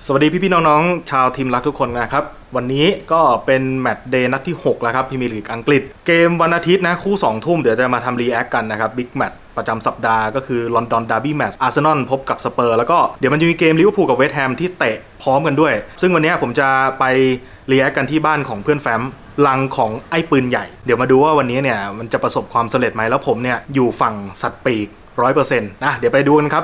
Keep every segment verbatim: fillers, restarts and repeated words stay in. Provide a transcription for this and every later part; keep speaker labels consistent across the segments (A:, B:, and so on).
A: สวัสดีพี่ๆน้องๆชาวทีมรักทุกคนนะครับวันนี้ก็เป็นแมตช์เดย์นัดที่หกแล้วครับพรีเมียร์ลีกอังกฤษเกมวันอาทิตย์นะคู่สองทุ่มเดี๋ยวจะมาทำรีแอคกันนะครับบิ๊กแมตช์ประจำสัปดาห์ก็คือลอนดอนดาร์บี้แมตช์อาร์เซนอลพบกับสเปอร์แล้วก็เดี๋ยวมันจะมีเกมลิเวอร์พูลกับเวสต์แฮมที่เตะพร้อมกันด้วยซึ่งวันนี้ผมจะไปรีแอคกันที่บ้านของเพื่อนแฟ้มลังของไอ้ปืนใหญ่เดี๋ยวมาดูว่าวันนี้เนี่ยมันจะประสบความสำเร็จไหมแล้วผมเนี่ยอยู่ฝั่งสัตว์ปีก ร้อยเปอร์เซ็นต์ นะเดี๋ยวไปดูกันครับ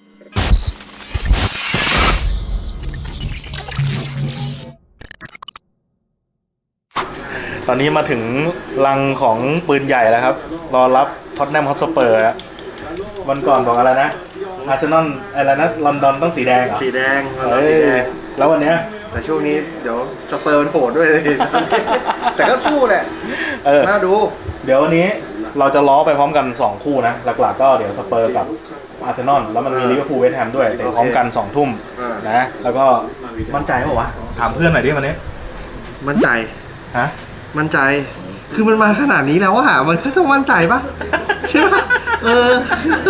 A: ตอนนี้มาถึงลังของปืนใหญ่แล้วครับรอรับท็อตแนมฮอตสเปอร์วันก่อนบอกอะไรนะอาร์เซนอลอะไรนะลอนดอนต้องสีแดงเหรอ
B: สีแดง
A: เฮ้ยแล้ววันเนี้ย
B: แต่ช่วงนี้เดี๋ยวสเปอร์มันโหดด้วยเลยแต่ก็สู้แหละเออน่าดู
A: เดี๋ยววันนี้เราจะล้อไปพร้อมกันสองคู่นะหลักๆก็เดี๋ยวสเปอร์กับอาร์เซนอลแล้วมันมีลิเวอร์พูลเวสต์แฮมด้วยเตะพร้อมกันสองทุ่มนะแล้วก็มั่นใจเปล่าวะถามเพื่อนหน่อยดิวันนี้
B: มั่นใจ
A: ฮะ
B: มั่นใจคือมันมาขนาดนี้แล้วว่ามันก็ต้องมั่นใจปะใช่ปะเออ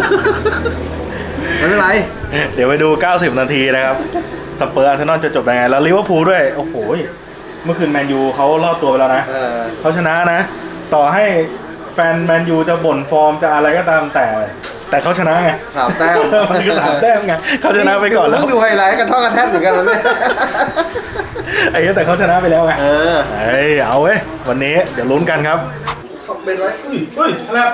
B: ไม่เป็นไร
A: เดี๋ยวไปดูเก้าสิบนาทีนะครับสเปอร์อาร์เซนอลจะจบยังไงแล้วลิเวอร์พูลด้วยโอ้โหเมื่อคืนแมนยูเขารอดตัวไปแล้วนะเขาชนะนะต่อให้แฟนแมนยูจะบ่นฟอร์มจะอะไรก็ตามแต่แต่เขาชนะไง
B: สามแต้ม
A: มันก็สามแต้มไงเขาชนะไปก่อนแล้ว
B: ดูไฮไลท์กันท่อกันแทบเหมือนกันเลย
A: ไอ้แต่เขาชนะไปแล้วไงเออเฮ้ยเอาเว้ยวันนี้เดี๋ยวลุ้นกันครับ
B: เป็นไร
A: อุ้ยอุ้ยครับ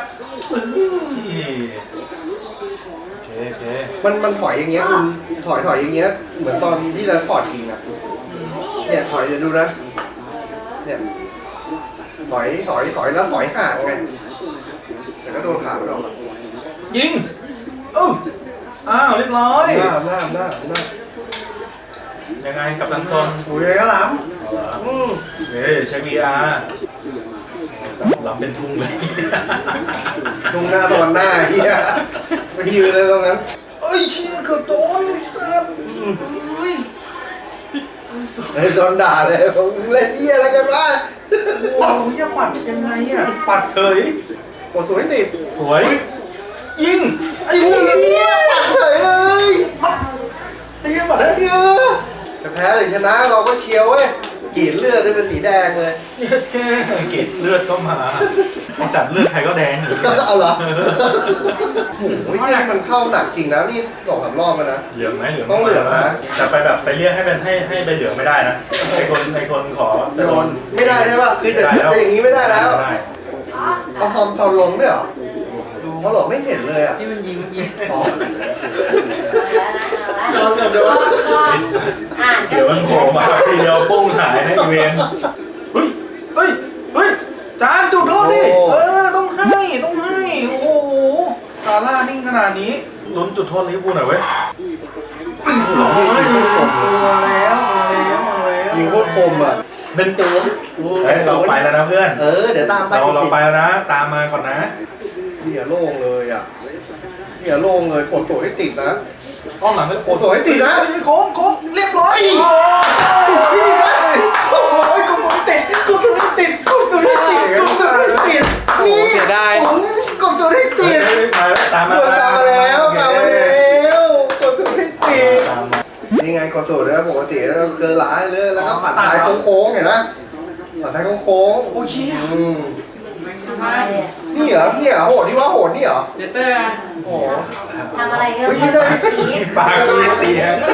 B: มันมันถอยอย่างเงี้ยคุณถอยถอยอย่างเงี้ยเหมือนตอนที่เราฟอร์ดยิงอ่ะเนี่ยถอยเดี๋ยวดูนะเนี่ยถอยถอยถอยแล้วถอยห่างไงแต่ก็โดนขาไปหรอก
A: ยิงอ้าวอ้าวเรียบร้อย
B: หน้าหน้าหน้าหน้า
A: ยังไงกับตันซน
B: โอ้ยก็ล้ำอืม
A: เฮ้ยใช้ วี อาร์ ล้ำเป็นทุ่งเลย
B: ทุ่งหน้าตอนหน้าเฮียไปยืนเลยตรงนั้นเอ้ยเชี่ยเกือบโดนไอ้สัสไอ้โดนด่าเลยเล่นเฮียอะไรกันวะ
A: โอ้ยจะปัดยังไงอ่ะปัดเฉย
B: โอ้สวยติด
A: สวยยิง
B: ไอ้เฮียปัดเฉยเลย
A: ไอ้เฮียปัดได้เยอะ
B: จะแพ้หรือชนะเราก็เชียวเว้ยกรีดเลือดได้เป็นสีแดงเลย
A: แค่กรีดเลือดก็มาไอสัตว์เลือดใครก็แดง
B: เอาเหรอโอ้ยนี่มันเข้าหนักจริงนะนี่สองสามรอบแล้วนะ
A: เหลืองไหมเหลือง
B: ต้องเหลืองนะ
A: แต่ไปแบบไปเรียกให้เป็นให้ให้ใบเหลืองไม่ได้นะไอคนไอคนขอจะโดน
B: ไม่ได้ใช่ป่ะคือแต่แต่อย่างนี้ไม่ได้แล้วเอาฟอร์มทอนลงด้วยเหรอเขาหลอกไม่เห็นเลยอ่ะ
C: ที่มันยิงยิง
B: อ๋อ
A: เดี๋ยวเดี๋ยวเดี๋ยวมันโผล่มาทีเดียวปุ้งหายในอีเวนต์เฮ้ยเฮ้ยเฮ้ยจานจุดโทษดิเออต้องให้ต้องให้โอ้โหซาร่านิ่งขนาดนี้ลุ้นจุดโทษลิเวอร์พูลหน่อยเว้ย
B: ตัวแล้วแล้วยิงโคตรคมอ่ะ
A: เป็นตัวเฮ้ยเราไปแล้วนะเพื่อน
B: เออเดี๋ยวตามไป
A: เราเราไปแล้วนะตามมาก่อนนะ
B: เนี่ยโล่งเลยอ่ะเนี่ยโล่งเลยกดตัวให้ติดนะ
A: ห้องหลังก็
B: กดตัวให้ติดนะ
A: โค้งโค้งเรียบร้อย
B: ติดที่เลยโอ้ยกดตัวให้ติดกดตัวให้ติดกดตัวให้ติดกดตัวให้ติดนี่เสียดายกดตัวให้ติด
A: ตามมา
B: ตามมาแล้วตามมาแล้วกดตัวให้ติดนี่ไงกดตัวนะปกติแล้วเคยหลายเลยแล้วก็ปัดท้ายโค้งๆเห็นไหมปัดท้ายโค้ง
A: โอ้ย
B: นี่เหรอนี่เหรอโหดที่ว่าโหดนี่เหรอ
C: เดเตอร์
B: โอ้
C: ทำอะไรก็ไม่ได้
A: ปากมีเสียง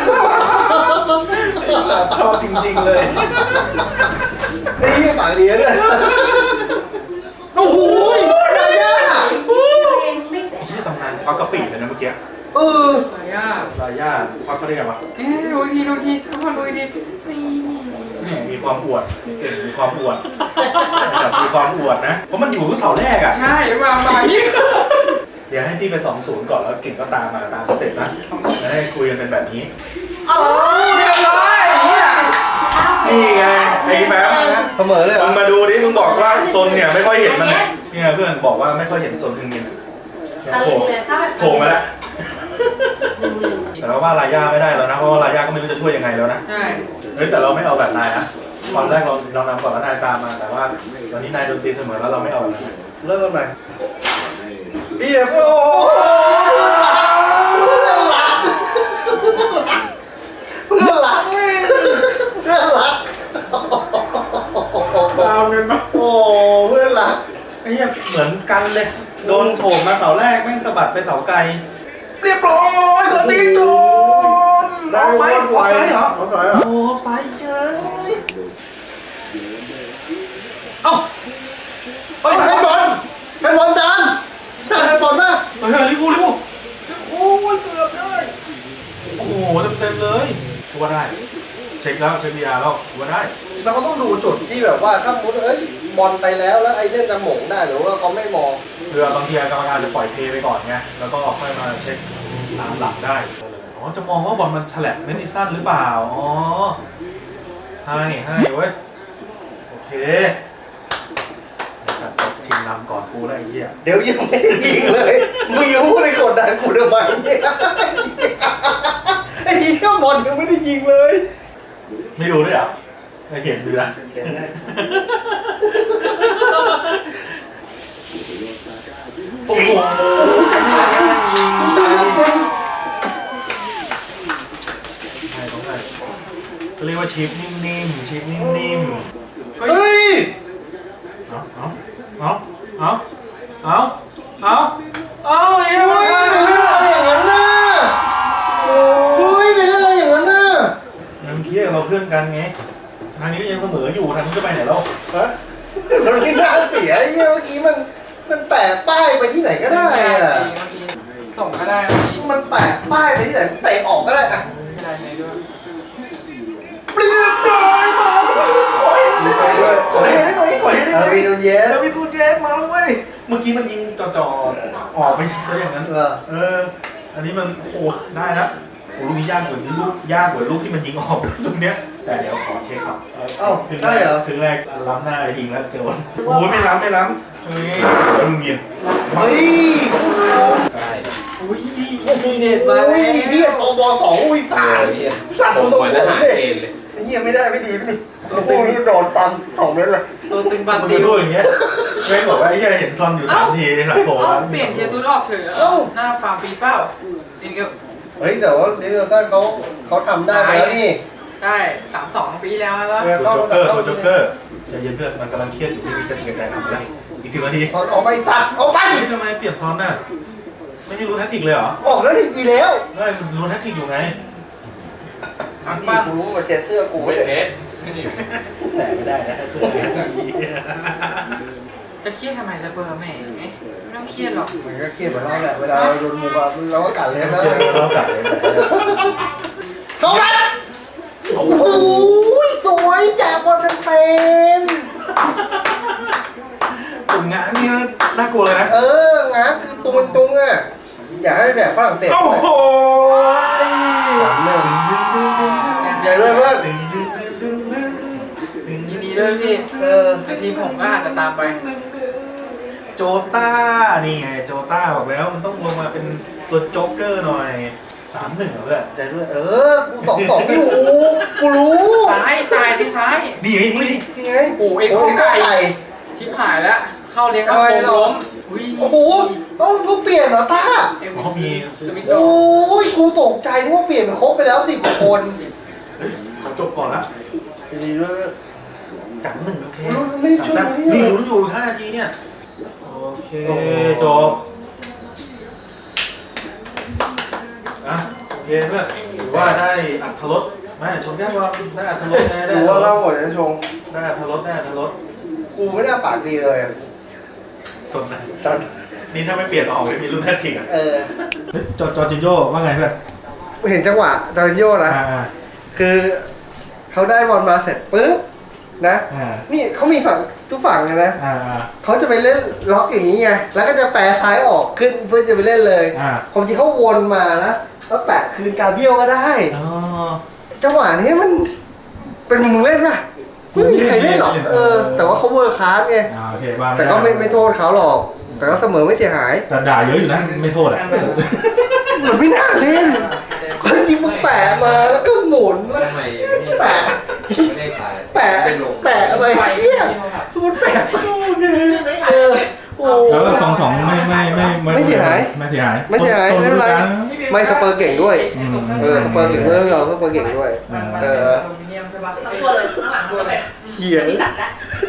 A: ชอบจริงๆเลย
B: ไอ้ยี่ปากเลี้ยเลยโอ้โหอะไรอ่ะ
A: ที่ตำนานควักกะปิเลยนะเมื่อกี้
B: เออ
C: อะไรอ่ะ
A: ลายาควักก็ได้ไงวะ
C: เอ๊ะดูทีดูทีทุกคนดูที
A: มีความอวดเก่งมีความอวดแบบมีความอวดนะเพราะมันอยู่ที่เสาแรกอ่ะ
C: ใช่มามา
A: เดี๋ยวให้พี่ไปสองศูนย์ก่อนแล้วเก่งก็ตามมาตามสเต็ปนะจะได้คุยกันเป็นแบบนี้
C: อ๋อเรียบร้อย
A: นี่ไงไอ้แป๊บ
B: เสมอเลยมึ
A: งมาดูดิมึงบอกว่าโซนเนี่ยไม่ค่อยเห็นมันเนี่ยเพื่อนบอกว่าไม่ค่อยเห็นโซนทึงมินโผล่โผล่มาแล้วแต่ว่าลายาไม่ได้แล้วนะเพราะว่าลายาก็ไม่รู้จะช่วยยังไงแล้วนะ
C: ใช่
A: เฮ้ยแต่เราไม่เอาแบบนายนะตอนแรกเราเรานำก่อนแล้วนายตามมาแต่ว่าตอนนี้นายโดนตีเสมอแล้วเราไม่เอาแบบนั้น
B: เริ่มกันใหม่เบียร์โอ้เพื่อนหลักเพื่อนหลักไง
A: ามกันปะ
B: โอ้เพื่อนรัก
A: ไอ้เหี้ยเหมือนกันเลยโดนโถมมาเสาแรกแม่งสะบัดไปเสาไกลเรียบร้อยกดตีโจน
B: ได้
A: เอาไหม
B: ไหว
A: ออฟไซด์เหรอ
B: ออฟไซด์เหรอ
A: โอ้ออฟไซด์เฉยเอ้าเฮ้ย
B: ให้บอลให้บอลดันดันให้บอลมา
A: เฮ้ยลิบูลิบูโอ้ยเกือบได้โอ้โหเต็มๆเลยกูว่าได้เช็คแล้วเช็คบีอาร์แล้วกูว่าได้
B: แล้วเขาต้องดูจุดที่แบบว่าถ้ามุดเอ้ยบอลไปแล้วแล้วไอ้เนี่ยจะหม่งได้หรือว่าเขาไม่มอง
A: เรือบางทีกรรมการจะปล่อยเทไปก่อนไงแล้วก็ค่อยมาเช็คตามหลังได้อ๋อจะมองว่าบอลมันฉลับไม่ได้สั้นหรือเปล่าอ๋อให้ให้เว้ยโอเคจัดตบชิงนำก่อนกูแล้วไอ้เหี้ย
B: เดี๋ยวยังไม่ได้ยิงเลยมึงยังพูดเลยกดดันกูทำไมเนี่ยไอ้เหี้ยบอลยังไม่ได้ยิงเลย
A: ไม่รู้ด้วยเหรอไม่เห็นดูนะ
B: เห็นได้
A: โอ้โหใช่ต้องใช่เรียกว่าชิปนิ่มๆชิปนิ่มๆ
B: เฮ้ย
A: เอาเอาเอาเอาเอาเอาเฮ้ย
B: เฮ้ยเป็นเรื่องอะไรอย่างนั้นน่ะเฮ้ยเป็นเรื่องอะไรอย่างนั้นน่ะ
A: ยังเคียเราเพื่อนกันไงทางนี้ยังเสมออยู่ทางนี้จะไปไหนแล้ว
B: ฮะมันไม่น่าเสียไอ้เหี้ยเมื่อกี้มันมันแปะป้ายไปที่ไหนก็ได้อะ
C: บางทีส่งก็ได้บางที
B: มันแปะป้ายไปที่ไหนเตะออกก็ได้อะ
C: ไม่ได้เลยด้วย
B: เรียบร้อยมาไปด้วย
A: ขอให้ได้หน่อยขอให้ได้ห
B: อา
A: น่อย
B: วีนูเยส
A: แล้วมีพูดเยสมาแล้วเว้ยเมื่อกี้มันยิงจ่อๆออกไปซะอย่างนั้น
B: เออ
A: เอออันนี้มันโอ้ได้แล้วโอ้ลูกนี้ยากกว่าลูกยากกว่าลูกที่มันยิงออกตรงเนี้ยแต่เดี๋ยวขอเช็คครับ
B: เอ้า
A: ถึงแร
B: ใช่
A: ก
B: เหรอ
A: ถึงแรกล้ำหน้ายิงแล้วเจอวันโอ้ยไม่ล้ำไม่ล้ำเฮ้ยลุงยิน
B: เฮ้ย
D: ได้
A: อุ้ย
C: มีเน็ตมา
B: อุ้ยเฮียปอบอสองอุ้ยสามสั่น
D: ผม
B: ตัว
D: เหมือน
B: ผ
D: ท
B: ม
D: หาร
B: เลย
D: เกณฑ์เลย
B: เฮียไม่ได้ไม่ดีไม่ดีพวกนี้โดนฟันสองเม็ดเลย
C: ตัวตึงบั
A: มัน
C: น
A: จะ
C: ติว
A: พูดอย่างเงี้ยแม่งบอกว่าไอ้เหี้ยเห็นซอนอยู่สามทีหลังโผล่
C: เอ้า
A: แล้ว
C: เปลี่ยนเคซุดออกเถอะหน้าฟาร์มปีเป้าจริงก็
B: เฮ้ยแต่ว่าลิเวอร์พูลเขาเขาทำได้ไปแล้วนี่
C: ได้สามสองปีแล้วแล้ว
B: เออ
A: ตัวโจ๊กเกอร์ตัวโจ๊กเกอร์ใจเย็นเพื่อนมันกำลังเครียดอยู่ที่มีกระติกกระใจทำแล้วอีกสิบนาที
B: ถอนออกไปตัดออกไป
A: เฮ้ยทำไมเปลี่ยนซอนน่ะไม่ใช่รู้แทคติกเลยเหรอ
B: ออกแล้วนี่ดีแล้ว
A: ไม่รู้แทคติกอยู่ไง
C: อัง
B: ดี
C: ปั้ง
B: กูรู้มาเจ็ดเสื้อกู
D: เว
B: ไม่
D: ท
B: ได้
D: เพชรไม่ได้อยู่
A: แต่ไม่ได้นะเสื้อสี
C: จะเครียดทำไมสเปอร์แหมไม่ต้องเครียดหรอก
B: มันก็เครียดเหมือนเราแหละเวลาเราโดนมุกอะเราก็กัดเลยนะ
A: เจอเรากัดเลย
B: เขาไปโอ้โหสวยแจกบอลแฟน
A: กลุ่มงานนี่น่ากลัวเลยนะ
B: ๆเอองานคือตุงตุงอ่ะอยากให้แบบฝรั่งเศส
A: โอ้โห
B: สามหนึ่งใหญ่ด้วยเพื่อน
C: ยินดีด้วยพี่
B: เออ
C: แต่ทีมผมก็อาจจะตามไป
A: โจต้านี่ไงโจต้าบอกแล้วมันต้องลงมาเป็นตัวโจ๊กเกอร์หน่อยสามหนึ่งเหรอเพื่อน
B: ใหญ่ด้วยเออกูสองสองอยู่กูรู้
C: ซ้ายจ่ายดิซ้าย
A: ดีไงนี่
B: นี่ไง
C: โอ้เอ็กโคไก่ชิบหายแล้ว เข้าเลี้ยงกระโปรงล้ม
B: โอ้โหเอ้ากูเปลี่ยนเหรอต้า
C: เอ็ม
A: เขามี
C: สวิตโด
B: โอ้ยกูตกใจนึกว่าเปลี่ยนครบไปแล้วสิบคน
A: เฮ้ยเขาจบก่อนละ
B: ดีด้วย
A: จับหนึ่งโอเค
B: ไม่ช่วย
A: จับ
B: นี่
A: นี่ลุ้นอยู่ห้านาทีเนี่ยโอเคจบอ่ะโอเคเพื่อนถือว่าได้อัตรสไม่ชมแก้วว่าได้อัตรสไงได้
B: ดูว่าเล่าหมดนะชง
A: ได้อัตรสได้อัตรส
B: กูไม่น่าปากดีเลย
A: สนนะ
B: ตอน
A: นี่ถ้าไม่เปลี่ยนออกเลยมีรุ่นแททริกอ่ะ
B: เออ
A: จอจอจินโยว่าไงเพื่อน
B: เห็นจังหวะจอร์โยนะ
A: อ่า
B: คือเขาได้บอลมาเสร็จปุ๊บนะ
A: อ่า
B: นี่เขามีฝั่งทุกฝั่งเลยนะ
A: อ่าอ่า
B: เขาจะไปเล่นล็อกอย่างนี้ไง แล้วก็จะแปรซ้ายออกขึ้นเพื่อจะไปเล่นเลย
A: อ่า
B: ความจริงเขาวนมานะแล้วแปะคืนกาเบี้ยวก็ได้
A: อ๋อ
B: จังหวะนี้มันเป็นมึงเล่นป่ะไม่มีใครเล่นหรอก เออ แต่ว่าเขาเวอร์คลาสไง
A: อ่าโอเคว่า
B: แต่ก็ไม่ไม่โทษเขาหรอก แต่ก็เสมอไม่เสียหาย
A: แต่ด่าเยอะอยู่นะไม่โทษอ่ะ
B: มันไม่น่าเล่นคนจริงมึงแปะมาแล้วก็หมุนแล้ว
D: ทำไม
B: แปะ
D: ไม่ได้ขาย
B: แปะ
D: เป็นลง
B: แปะอะไรเหี้ยมันแปะเออโอ้
A: แล้วก็สองสองไม่ไม่ไม่
B: ไม่เสียหาย
A: ไม่เสียหาย
B: ไม่เสียหาย
A: ต้
B: ไม่เป็นไร
A: ฤดูกาล
B: ไม่สเปอร์เก่งด้วย เออสเปอร์เก่งด้วยเราสเปอร์เก่งด้วย
C: มันมัน
B: เอ
C: เป็น
B: อ
C: อลูมิเนียมใช่ปะ
E: ทั้งตัวเลยข้างหลังตัวเลย
B: เหี้ย
E: นี่ตัดละ